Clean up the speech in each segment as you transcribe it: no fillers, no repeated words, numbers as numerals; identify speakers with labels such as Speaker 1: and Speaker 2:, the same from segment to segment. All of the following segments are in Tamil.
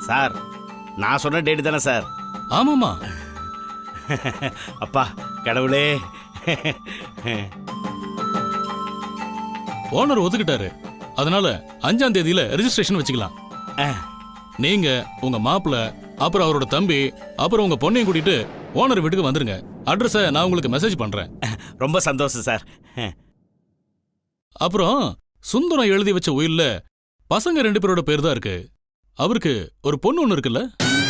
Speaker 1: சார் நான் சொன்ன டேட்டு தானே சார்?
Speaker 2: ஆமாமா.
Speaker 1: அப்பா கடவுளே.
Speaker 2: ஓனர் ஒத்துக்கிட்டாரு. அதனால 5ஆம் தேதியில ரெஜிஸ்ட்ரேஷன் வச்சுக்கலாம். நீங்க உங்க மாப்பிள்ள அப்புறம் அவரோட தம்பி அப்புறம் உங்க பொண்ணையும் கூட்டிட்டு ஓனர் வீட்டுக்கு வந்துருங்க. அட்ரஸை நான் உங்களுக்கு மெசேஜ் பண்றேன்.
Speaker 1: ரொம்ப சந்தோஷம் சார்.
Speaker 2: அப்புறம் சுந்தரம் எழுதி வச்ச உயில்ல பசங்க 2 பேரோட பேர் தான் இருக்கு. அவருக்கு ஒரு பொண்ணு ஒண்ணு இருக்குல்ல?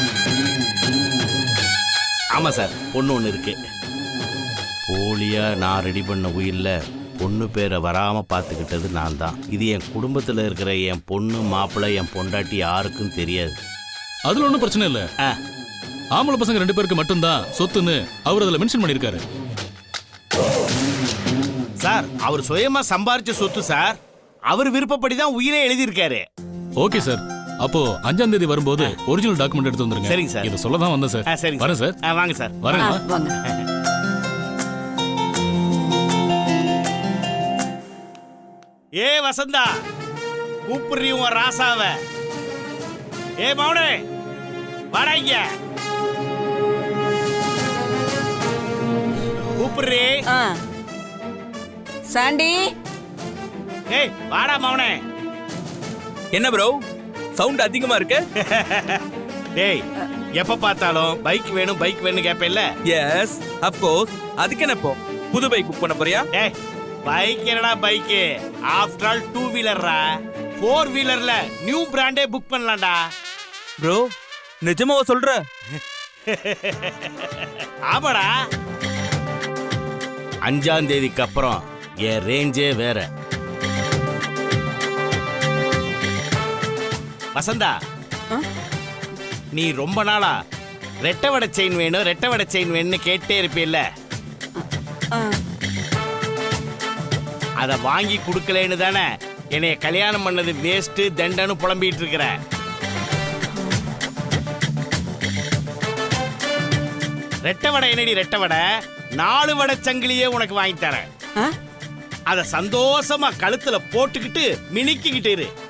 Speaker 1: ஆமா சார், பொண்ணு ஒன்று இருக்கு. போலியா நான் ரெடி பண்ண உயில்ல பொண்ணு பேரை வராம பார்த்துக்கிட்டது நான் தான். இது என் குடும்பத்தில் இருக்கிற என் பொண்ணு மாப்பிள்ளை என் பொண்டாட்டி யாருக்கும் தெரியாது.
Speaker 2: அதுல ஒன்றும் பிரச்சனை இல்ல. ஆம்பளை பசங்க 2 பேருக்கு மட்டும்தான் சொத்துன்னு அவர் அதுல மென்ஷன் பண்ணிருக்காரு.
Speaker 1: சார் அவர் சுயமா சம்பாரிச்ச சொத்து சார். அவர் விருப்பப்படி தான் உயிரை எழுதியிருக்காரு.
Speaker 2: Okay sir. அப்போ 5ஆம் தேதி வரும்போது ஒரிஜினல் டாக்குமெண்ட் எடுத்து வந்துருங்க.
Speaker 1: சரிங்க சார்.
Speaker 2: இதை சொல்ல தான் வந்தேன் சார்.
Speaker 1: சரிங்க
Speaker 2: வரேன் சார்.
Speaker 1: வாங்க சார்.
Speaker 2: வரேன்.
Speaker 3: வாங்க.
Speaker 1: ஏ வசந்தா, கூப்பிடுறீ உன் ராசாவ. ஏ மௌனே வாடா இங்க. கூப்பிடுறீ.
Speaker 3: சாண்டி.
Speaker 1: ஏய் வாடா மௌனே.
Speaker 4: என்ன ப்ரோ சவுண்ட் அதிகமா இருக்கு?
Speaker 1: டேய் எப்ப பார்த்தாலும் பைக் வேணும் பைக் வேணும் கேப்பேல்ல?
Speaker 4: Yes of course. அதுக்கு என்ன இப்போ புது பைக் புக் பண்ண போறியா?
Speaker 1: டேய் பைக் என்னடா பைக்? ஆஃப்டர் ஆல் 2 வீலர்ரா. 4 வீலர்ல நியூ பிராண்டே புக் பண்ணலாம்டா.
Speaker 4: ப்ரோ நிஜமாவா சொல்ற?
Speaker 1: ஆமாடா. 5ஆம் தேதிக்கு அப்புறம் என் ரேஞ்சே வேற. வசந்தா, நீ ரொம்ப நாளா ரெட்டை வடை செயின் வேணும் ரெட்டை வடை செயின் வேணும்னு கேட்டே இருப்பில்ல? அத வாங்கி கொடுக்கலன்னு தானே என்னைய கல்யாணம் பண்ணது வேஸ்ட் தண்டன்னு புலம்பிட்டு இருக்கிற. ரெட்டை வடை என்னடி ரெட்டை வடை? 4 வடை சங்கிலியே உனக்கு வாங்கி தரேன். அத சந்தோஷமா கழுத்துல போட்டுக்கிட்டு மினிக்கிட்டு இரு.